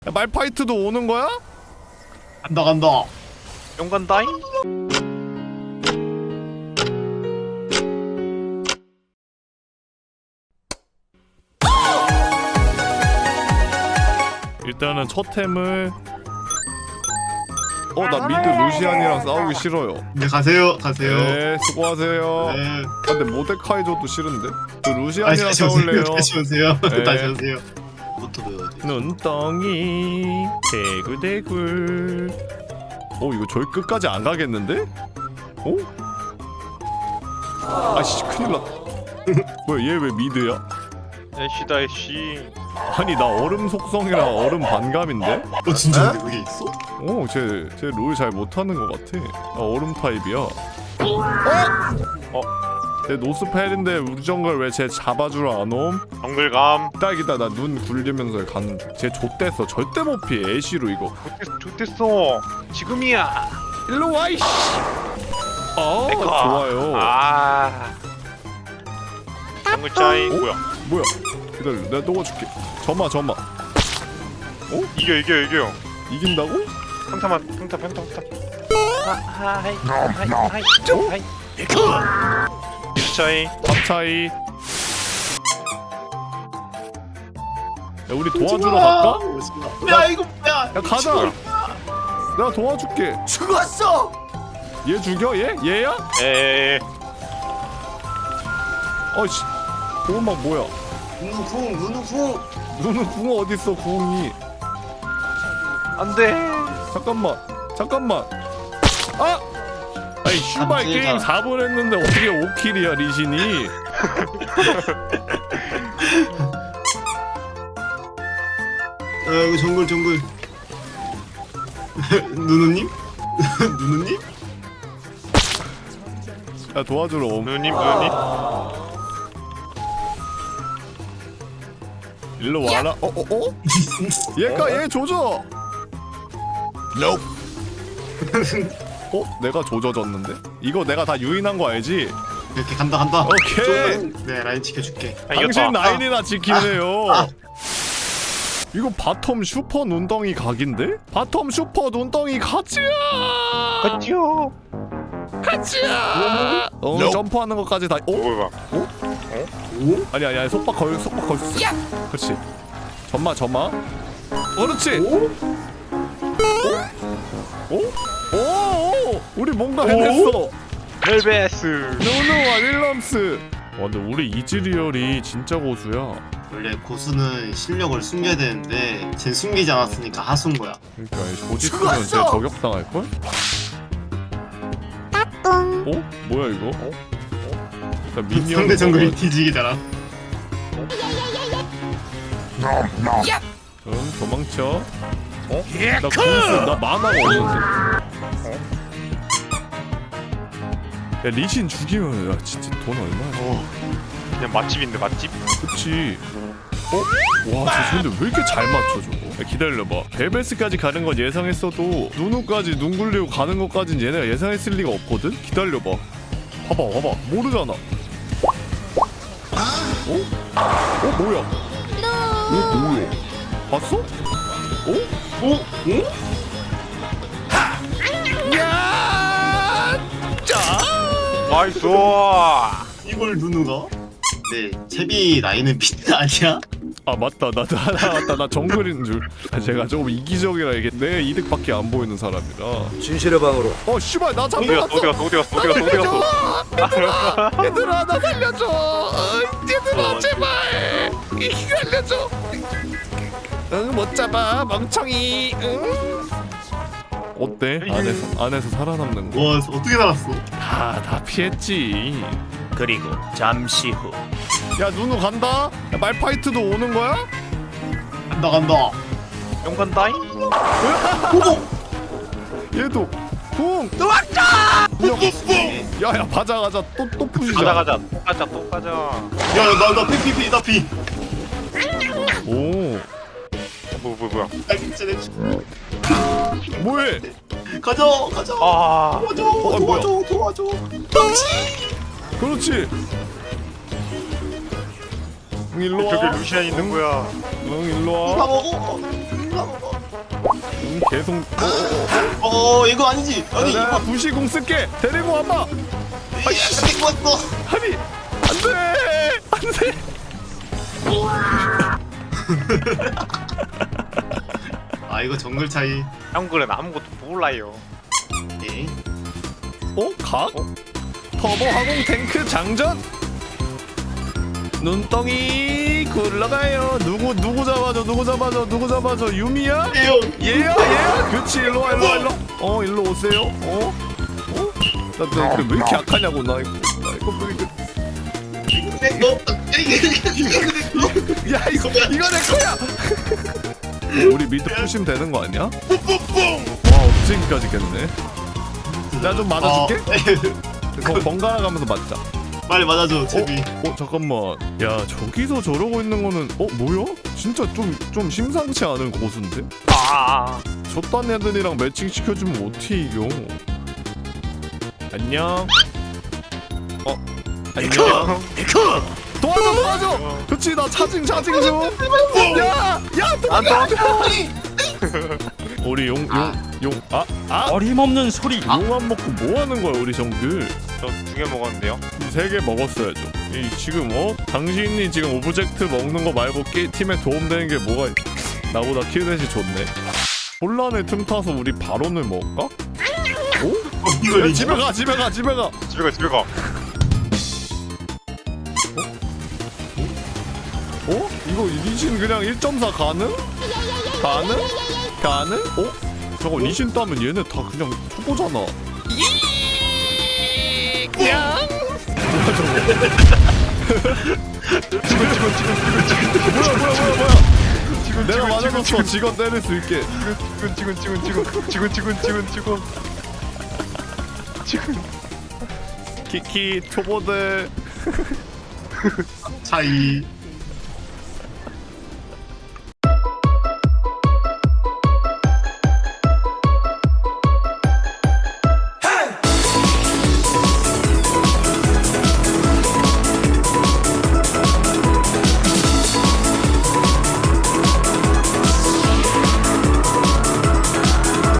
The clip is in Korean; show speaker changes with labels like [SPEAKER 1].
[SPEAKER 1] 야, 말파이트도 오는 거야?
[SPEAKER 2] 간다.
[SPEAKER 3] 용간다잉?
[SPEAKER 1] 일단은 첫 템을 나 미드 루시안이랑 싸우기 싫어요.
[SPEAKER 2] 네, 가세요.
[SPEAKER 1] 네, 수고하세요.
[SPEAKER 2] 네.
[SPEAKER 1] 근데 모데카이저도 싫은데? 저
[SPEAKER 2] 아니,
[SPEAKER 1] 루시안이랑
[SPEAKER 2] 다시 오세요.
[SPEAKER 1] 싸울래요.
[SPEAKER 2] 다시 오세요.
[SPEAKER 1] 네.
[SPEAKER 2] 다시 오세요. 뭐부터 배워야 돼?
[SPEAKER 1] 눈덩이 대굴대굴. 이거 저기 끝까지 안 가겠는데? 아씨 큰일 났다. 뭐야 얘 왜 미드야?
[SPEAKER 3] 애쉬다 애쉬.
[SPEAKER 1] 아니 나 얼음 속성이라 얼음 반감인데?
[SPEAKER 2] 진짜 그게 있어?
[SPEAKER 1] 쟤 롤 잘 못하는 것 같아. 나 얼음 타입이야. 쟤 노스펠인데 우리 정글 왜 쟤 잡아주러 안 옴?
[SPEAKER 3] 정글감.
[SPEAKER 1] 딱이다. 나 눈 굴리면서 가는 중. 쟤 좆됐어. 절대 못 피해. 애쉬로 이거.
[SPEAKER 3] 좋댔어. 지금이야.
[SPEAKER 1] 일로 와 이씨.
[SPEAKER 3] 에커.
[SPEAKER 1] 좋아요.
[SPEAKER 3] 정글 짜이. 뭐야?
[SPEAKER 1] 뭐야? 기다려. 내가 녹아줄게. 점마.
[SPEAKER 3] 이겨.
[SPEAKER 1] 이긴다고?
[SPEAKER 3] 평타. 하이. 차이.
[SPEAKER 1] 밥 차이. 야 우리 도와주러 갈까?
[SPEAKER 2] 야 이거 뭐야?
[SPEAKER 1] 야 가자. 내가 도와줄게.
[SPEAKER 2] 죽었어.
[SPEAKER 1] 얘 죽여? 얘야?
[SPEAKER 3] 에에에.
[SPEAKER 1] 어이씨. 보호막 뭐야?
[SPEAKER 2] 누누궁.
[SPEAKER 1] 누는 궁 어딨어 궁이?
[SPEAKER 3] 안돼.
[SPEAKER 1] 잠깐만. 아니 슈발 게임 4분 했는데 어떻게 5킬이야 리신이?
[SPEAKER 2] 이거 정글. 누누님? 누누님?
[SPEAKER 1] 야 도와주러 옴.
[SPEAKER 3] 누님.
[SPEAKER 1] 일로 와라. 얘 조져. 내가 조져졌는데? 이거 내가 다 유인한 거 알지?
[SPEAKER 2] 이렇게 간다.
[SPEAKER 1] 오케이.
[SPEAKER 2] 네 라인 지켜줄게.
[SPEAKER 1] 당신 라인이나 지키네요. 이거 바텀 슈퍼 눈덩이 각인데? 바텀 슈퍼 눈덩이 가지야. 가지야. 점프하는 것까지 다.
[SPEAKER 3] 뭐야?
[SPEAKER 1] 아니 속박 걸. 그렇지. 점마. 그렇지. 우리 뭔가 해냈어.
[SPEAKER 3] 헬베스.
[SPEAKER 1] 누누와 윌럼스. 근데 우리 이즈리얼이 진짜 고수야.
[SPEAKER 2] 원래 고수는 실력을 숨겨야 되는데 쟨 숨기지 않았으니까 하수인 거야.
[SPEAKER 1] 그러니까 조지 쓰면 쟤 저격당할걸? 뭐야 이거? 일단 미니언
[SPEAKER 2] 상대 정글이 뒤지기잖아.
[SPEAKER 1] 응 도망쳐. 나 공수 나 만화가 없는데. 야 리신 죽이면 야 진짜 돈 얼마야?
[SPEAKER 3] 그냥 맛집인데 맛집?
[SPEAKER 1] 그치. 와, 저 근데 왜 이렇게 잘 맞춰 저거? 야, 기다려봐. 벨베스까지 가는 건 예상했어도 누누까지 눈 굴리고 가는 것까진 얘네가 예상했을 리가 없거든? 기다려봐. 봐봐. 모르잖아. 뭐야? 뭐야? 봤어? 야! 짜!
[SPEAKER 3] 나이스.
[SPEAKER 2] 이걸 누누가? 네, 채비 라인은 비트 아니야?
[SPEAKER 1] 아 맞다 나 정글인 줄. 제가 조금 이기적이라 이게 내 이득밖에 안 보이는 사람이라.
[SPEAKER 4] 진실의 방으로.
[SPEAKER 1] 씨발 나 잡혀갔어.
[SPEAKER 3] 어디 갔어?
[SPEAKER 1] 얘들아 나 살려줘. 얘들아 제발 살려줘. 응 못 잡아 멍청이. 응. 어때? 안에서 살아남는 거?
[SPEAKER 2] 와, 어떻게 살았어?
[SPEAKER 1] 다 피했지.
[SPEAKER 4] 그리고 잠시 후.
[SPEAKER 1] 야 누누 간다. 야, 말파이트도 오는 거야?
[SPEAKER 2] 간다.
[SPEAKER 3] 용간다잉?
[SPEAKER 1] 얘도 붕.
[SPEAKER 3] 왔다.
[SPEAKER 1] 야야 가자 또 부시자.
[SPEAKER 3] 가자. 또 가자.
[SPEAKER 2] 야, 나 피.
[SPEAKER 1] 오
[SPEAKER 3] 뭐야?
[SPEAKER 1] 뭐해?
[SPEAKER 2] 가자.
[SPEAKER 3] 아.
[SPEAKER 2] 도와줘.
[SPEAKER 1] 그렇지. 응 일로 와.
[SPEAKER 3] 저기 루시안 있는 거야.
[SPEAKER 1] 응 일로
[SPEAKER 2] 다
[SPEAKER 1] 와.
[SPEAKER 2] 먹어.
[SPEAKER 1] 계속
[SPEAKER 2] 이거 아니지. 아니
[SPEAKER 1] 야,
[SPEAKER 2] 이거
[SPEAKER 1] 부시공 쓸게. 데리고 와봐.
[SPEAKER 2] 아이씨 이거 왔어.
[SPEAKER 1] 아니 안돼.
[SPEAKER 2] 아 이거 정글 차이.
[SPEAKER 3] 형글은 아무것도 몰라요.
[SPEAKER 2] 오케이.
[SPEAKER 1] 각? 터보 하공 탱크 장전. 눈덩이 굴러가요. 누구 잡아줘. 유미야?
[SPEAKER 2] 에요.
[SPEAKER 1] 얘야. 그치 일로 와. 일로 오세요. 나 왜 이렇게 약하냐고 나 이거 왜 이렇게. 야 이거 내 거야. 우리 미드 푸시면 되는 거 아니야? 와 업체기까지겠네. 나 좀 맞아줄게. 번갈아 가면서 맞자.
[SPEAKER 2] 빨리 맞아줘 제비.
[SPEAKER 1] 잠깐만. 야 저기서 저러고 있는 거는 뭐야? 진짜 좀 심상치 않은 고수인데? 저딴 애들이랑 매칭 시켜주면 어떻게 이겨? 안녕. 안녕. 도와줘. 그치 나 차징 좀. 야 도와줘. 우리 용.
[SPEAKER 5] 어림없는 소리.
[SPEAKER 1] 용안 먹고 뭐 하는 거야 우리 정글?
[SPEAKER 3] 저 2개 먹었는데요.
[SPEAKER 1] 3개 먹었어야죠. 지금 당신이 지금 오브젝트 먹는 거 말고 팀에 도움되는 게 뭐가 나보다 킬넷이 좋네. 혼란의 틈 타서 우리 바론을 먹을까?
[SPEAKER 2] 이거
[SPEAKER 1] 야, 집에 가.
[SPEAKER 3] 집에 가.
[SPEAKER 1] 이거 리신 그냥 1.4 가능? 저거 리신 따면 얘네 다 그냥 초보잖아. 뭐야 저거. 내가 맞아줬어. 직원 때릴 수 있게. 키키 초보들.
[SPEAKER 2] 차이.